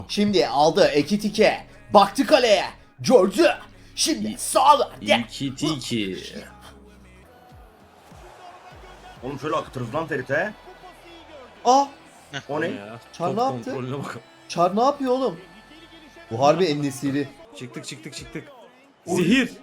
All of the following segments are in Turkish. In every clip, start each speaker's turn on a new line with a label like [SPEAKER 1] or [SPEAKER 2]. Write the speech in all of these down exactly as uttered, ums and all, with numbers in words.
[SPEAKER 1] Şimdi aldı Ekitike. Baktı kaleye. Gördü. Şimdi sağla.
[SPEAKER 2] İki tiki.
[SPEAKER 3] Oğlum şöyle akıtırız lan Ferit'e.
[SPEAKER 1] Aa,
[SPEAKER 3] O ne?
[SPEAKER 2] Ya,
[SPEAKER 1] Çar
[SPEAKER 2] top
[SPEAKER 1] ne yaptı?
[SPEAKER 2] kontrolüne bak.
[SPEAKER 1] Çar ne yapıyor oğlum? Bu harbi En-Nesyri.
[SPEAKER 2] Çıktık çıktık çıktık. Zehir.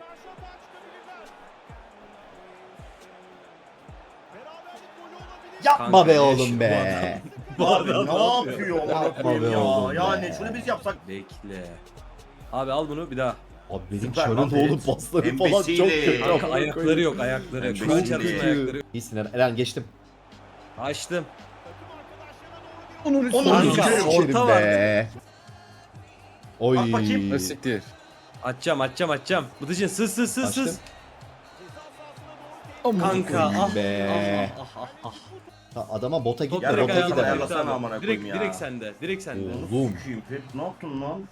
[SPEAKER 1] Yapma
[SPEAKER 2] Kanka,
[SPEAKER 1] be
[SPEAKER 2] ne
[SPEAKER 1] oğlum
[SPEAKER 2] işi
[SPEAKER 1] be.
[SPEAKER 2] Bu
[SPEAKER 3] Abi
[SPEAKER 2] adam
[SPEAKER 3] ne yapıyor amına
[SPEAKER 1] Yapma
[SPEAKER 3] koyayım
[SPEAKER 1] be
[SPEAKER 3] ya?
[SPEAKER 1] oğlum be.
[SPEAKER 3] Yani şunu biz yapsak.
[SPEAKER 2] Bekle. Abi al bunu bir daha.
[SPEAKER 1] Abi benim
[SPEAKER 3] Süper
[SPEAKER 1] Çar'ın
[SPEAKER 3] lan
[SPEAKER 1] da oğlum
[SPEAKER 3] Ferit.
[SPEAKER 1] pasları falan
[SPEAKER 3] Embesiyle.
[SPEAKER 1] çok kötü.
[SPEAKER 2] Kanka
[SPEAKER 1] amına
[SPEAKER 2] ayakları
[SPEAKER 1] koyayım.
[SPEAKER 2] yok ayakları yok. Şu
[SPEAKER 3] Çok
[SPEAKER 2] an Çar'ın
[SPEAKER 3] kötü.
[SPEAKER 2] ayakları yok.
[SPEAKER 1] İyisin Eren. Eren geçtim.
[SPEAKER 2] Açtım.
[SPEAKER 3] Onun
[SPEAKER 2] Kanka,
[SPEAKER 3] üstüne
[SPEAKER 2] orta
[SPEAKER 1] Geçerim
[SPEAKER 2] var.
[SPEAKER 1] be. Oy.
[SPEAKER 3] Bak bakayım.
[SPEAKER 4] Siktir.
[SPEAKER 2] Açacağım açacağım açacağım. Bıdıcın sız sız sız
[SPEAKER 1] Açtım.
[SPEAKER 2] sız. Kanka ah,
[SPEAKER 1] be.
[SPEAKER 2] ah, ah, ah, ah.
[SPEAKER 1] Ha, adama bota
[SPEAKER 2] Top
[SPEAKER 1] gitme,
[SPEAKER 2] direkt
[SPEAKER 1] bota
[SPEAKER 2] ayağına
[SPEAKER 1] gider.
[SPEAKER 3] ayarla.
[SPEAKER 2] ayakta
[SPEAKER 3] Ayarlasana
[SPEAKER 2] abi.
[SPEAKER 3] amına
[SPEAKER 2] Direkt,
[SPEAKER 3] koyayım ya.
[SPEAKER 2] direkt sende. Direkt sende.
[SPEAKER 1] Oğlum.
[SPEAKER 3] Sikiyim Ferit, ne yaptın lan?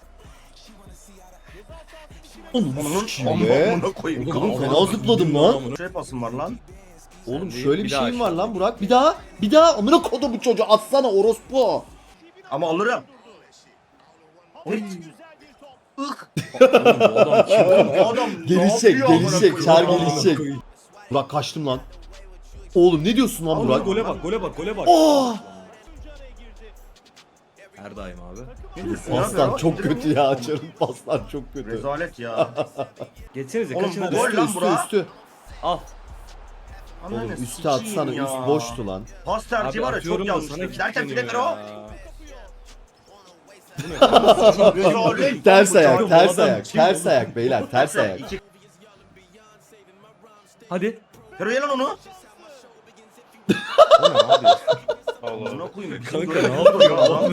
[SPEAKER 1] Onun
[SPEAKER 3] Onun
[SPEAKER 1] sikiyim be.
[SPEAKER 3] amına koyayım.
[SPEAKER 1] Oğlum
[SPEAKER 3] Kanka.
[SPEAKER 1] fena zıpladım lan.
[SPEAKER 3] Şey pasım var lan.
[SPEAKER 1] Oğlum
[SPEAKER 2] Sen
[SPEAKER 1] şöyle
[SPEAKER 2] bir
[SPEAKER 1] bir
[SPEAKER 2] daha
[SPEAKER 1] şeyim var
[SPEAKER 2] aşağı.
[SPEAKER 1] lan Burak. Bir daha. Bir daha. Amına kodu bu çocuğu. Atsana orospu.
[SPEAKER 3] Ama alırım. Oy.
[SPEAKER 2] Adam kim?
[SPEAKER 3] Oğlum bu adam ne
[SPEAKER 1] Gelişecek,
[SPEAKER 3] yapıyor amına
[SPEAKER 1] gelişecek.
[SPEAKER 3] koyayım?
[SPEAKER 1] Çar
[SPEAKER 3] Amına
[SPEAKER 1] gelişecek.
[SPEAKER 3] koyayım.
[SPEAKER 1] Burak kaçtım lan. Oğlum ne diyorsun lan
[SPEAKER 2] Al
[SPEAKER 1] Burak?
[SPEAKER 2] gole bak gole bak gole bak.
[SPEAKER 1] Oh!
[SPEAKER 2] Her daim abi.
[SPEAKER 3] Ne diyorsun ya
[SPEAKER 1] Paslar
[SPEAKER 3] be?
[SPEAKER 1] çok kötü ya. Açarın paslar çok kötü.
[SPEAKER 3] Rezalet ya.
[SPEAKER 2] Geçsenize
[SPEAKER 3] Oğlum
[SPEAKER 2] kaçın
[SPEAKER 3] bu
[SPEAKER 2] hadi.
[SPEAKER 3] gol
[SPEAKER 1] Üstü
[SPEAKER 3] lan
[SPEAKER 1] üstü
[SPEAKER 3] Burak.
[SPEAKER 1] üstü.
[SPEAKER 2] Al.
[SPEAKER 3] Ananı
[SPEAKER 1] Oğlum üstü
[SPEAKER 3] sikeyim
[SPEAKER 1] atsana.
[SPEAKER 3] ya.
[SPEAKER 1] Üst boştu lan.
[SPEAKER 3] Pas tercihi var ya çok
[SPEAKER 2] atıyorum da sana
[SPEAKER 3] yanlış. Derken
[SPEAKER 2] kilitleniyor
[SPEAKER 3] fileler o.
[SPEAKER 2] ya.
[SPEAKER 3] Rezalet.
[SPEAKER 1] Ters ayak,
[SPEAKER 2] bu
[SPEAKER 1] ters
[SPEAKER 2] adam
[SPEAKER 1] ayak,
[SPEAKER 2] kim
[SPEAKER 1] ters
[SPEAKER 2] oğlum?
[SPEAKER 1] ayak beyler, ters ayak.
[SPEAKER 3] İki.
[SPEAKER 2] Hadi.
[SPEAKER 3] Hero ye lan onu.
[SPEAKER 2] O ne abi?
[SPEAKER 3] Buna koyayım.
[SPEAKER 2] Kanka ne yapıyor abi?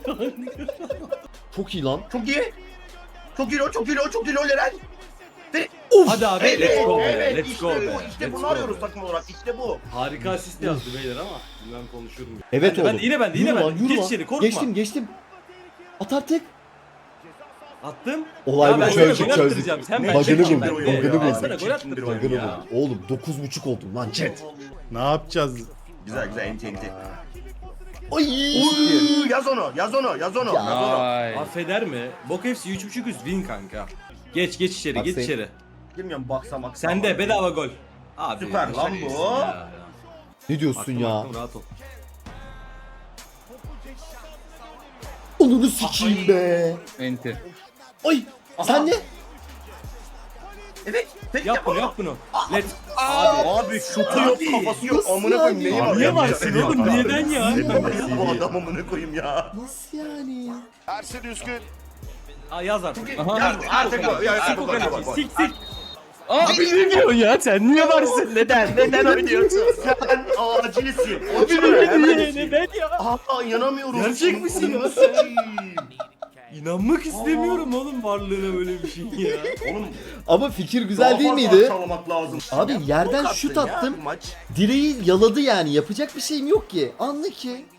[SPEAKER 1] Çok iyi lan.
[SPEAKER 3] Çok iyi. Çok iyi o, çok iyi o, çok iyi o Eren.
[SPEAKER 2] Hadi abi let's go be.
[SPEAKER 3] Evet,
[SPEAKER 2] Let's
[SPEAKER 3] işte
[SPEAKER 2] go
[SPEAKER 3] bu,
[SPEAKER 2] be.
[SPEAKER 3] İşte
[SPEAKER 2] Let's
[SPEAKER 3] bunu
[SPEAKER 2] go
[SPEAKER 3] arıyoruz
[SPEAKER 2] be.
[SPEAKER 3] takım olarak. İşte bu.
[SPEAKER 2] Harika asist yazdı beyler ama ben konuşuyorum. ya.
[SPEAKER 1] Evet
[SPEAKER 2] Ben de-
[SPEAKER 1] oğlum.
[SPEAKER 2] ben de, yine ben de, yine
[SPEAKER 1] Yürü
[SPEAKER 2] ben
[SPEAKER 1] lan,
[SPEAKER 2] de.
[SPEAKER 1] yürü
[SPEAKER 2] Geç
[SPEAKER 1] lan.
[SPEAKER 2] içeri, korkma.
[SPEAKER 1] Geçtim, geçtim. At artık.
[SPEAKER 2] Attım.
[SPEAKER 1] Olay
[SPEAKER 2] Ya
[SPEAKER 1] bu
[SPEAKER 2] ben
[SPEAKER 1] çözdük,
[SPEAKER 2] sana gol
[SPEAKER 1] çözdük.
[SPEAKER 2] attıracağım. Sen
[SPEAKER 3] Ne
[SPEAKER 2] ben
[SPEAKER 1] Bug'ını
[SPEAKER 2] çekeyim
[SPEAKER 1] bulduk,
[SPEAKER 2] ben de.
[SPEAKER 1] bug'ını
[SPEAKER 2] Ben
[SPEAKER 1] bulduk.
[SPEAKER 2] sana gol
[SPEAKER 3] Çektim bir oyun
[SPEAKER 2] attıracağım
[SPEAKER 1] Bug'ını
[SPEAKER 2] ya.
[SPEAKER 1] bulduk. Oğlum dokuz buçuk oldum lan chat.
[SPEAKER 4] Ne yapacağız?
[SPEAKER 3] Güzel güzel enti enti.
[SPEAKER 1] Ay.
[SPEAKER 3] Uy, yaz onu, yaz onu, yaz onu,
[SPEAKER 1] Ya.
[SPEAKER 3] yaz onu.
[SPEAKER 4] Ay.
[SPEAKER 2] Affeder mi? Bok F C üç buçuk üst win kanka. Geç geç içeri
[SPEAKER 1] Bak
[SPEAKER 2] geç
[SPEAKER 1] sen-
[SPEAKER 2] içeri.
[SPEAKER 3] Bilmiyorum baksa baksa.
[SPEAKER 2] Sende bedava gol. Abi.
[SPEAKER 3] Süper lan
[SPEAKER 2] şaka
[SPEAKER 3] bu.
[SPEAKER 2] mısın ya?
[SPEAKER 1] Ne diyorsun
[SPEAKER 2] Aklım,
[SPEAKER 1] ya?
[SPEAKER 2] aklım, rahat ol.
[SPEAKER 1] Onunu sikeyim be.
[SPEAKER 4] Enti.
[SPEAKER 1] Ay. Sen ne?
[SPEAKER 3] Evet. Tek
[SPEAKER 2] Yap
[SPEAKER 3] yap
[SPEAKER 2] bunu
[SPEAKER 3] onu.
[SPEAKER 2] yap bunu. Let. Abi.
[SPEAKER 3] Abi şutu yok, kafası yok.
[SPEAKER 1] nasıl
[SPEAKER 3] Amına koyayım
[SPEAKER 1] yani?
[SPEAKER 3] neyi var?
[SPEAKER 2] Niye
[SPEAKER 3] ya?
[SPEAKER 2] varsın
[SPEAKER 3] Ya,
[SPEAKER 2] oğlum?
[SPEAKER 3] ya.
[SPEAKER 2] Neden ya?
[SPEAKER 3] Bu adam amına koyayım ya.
[SPEAKER 1] Nasıl yani?
[SPEAKER 5] Ersin Üskün.
[SPEAKER 2] Aa, yaz artık.
[SPEAKER 4] Aha.
[SPEAKER 3] Yaz, artık bu. Ya,
[SPEAKER 2] Sik o
[SPEAKER 3] bu, bu, bu,
[SPEAKER 2] kaleciyi.
[SPEAKER 3] bu.
[SPEAKER 2] Sik sik.
[SPEAKER 4] Abi ne diyorsun ya? Sen niye varsın? Neden? Neden oynuyorsun?
[SPEAKER 3] Sen acilsin.
[SPEAKER 2] Abi niye? Neden ya?
[SPEAKER 3] Aa inanamıyorum.
[SPEAKER 2] Gerçek misin ya
[SPEAKER 3] sen?
[SPEAKER 2] İnanmak istemiyorum oğlum varlığına böyle bir şey ya.
[SPEAKER 3] Oğlum
[SPEAKER 1] Ama fikir güzel değil
[SPEAKER 3] daha fazla
[SPEAKER 1] miydi?
[SPEAKER 3] aşağılamak lazım.
[SPEAKER 1] Abi
[SPEAKER 3] Ya,
[SPEAKER 1] yerden
[SPEAKER 3] bok
[SPEAKER 1] şut
[SPEAKER 3] attın ya
[SPEAKER 1] attım.
[SPEAKER 3] Maç.
[SPEAKER 1] Direği yaladı yani. Yapacak bir şeyim yok ki. Anla ki.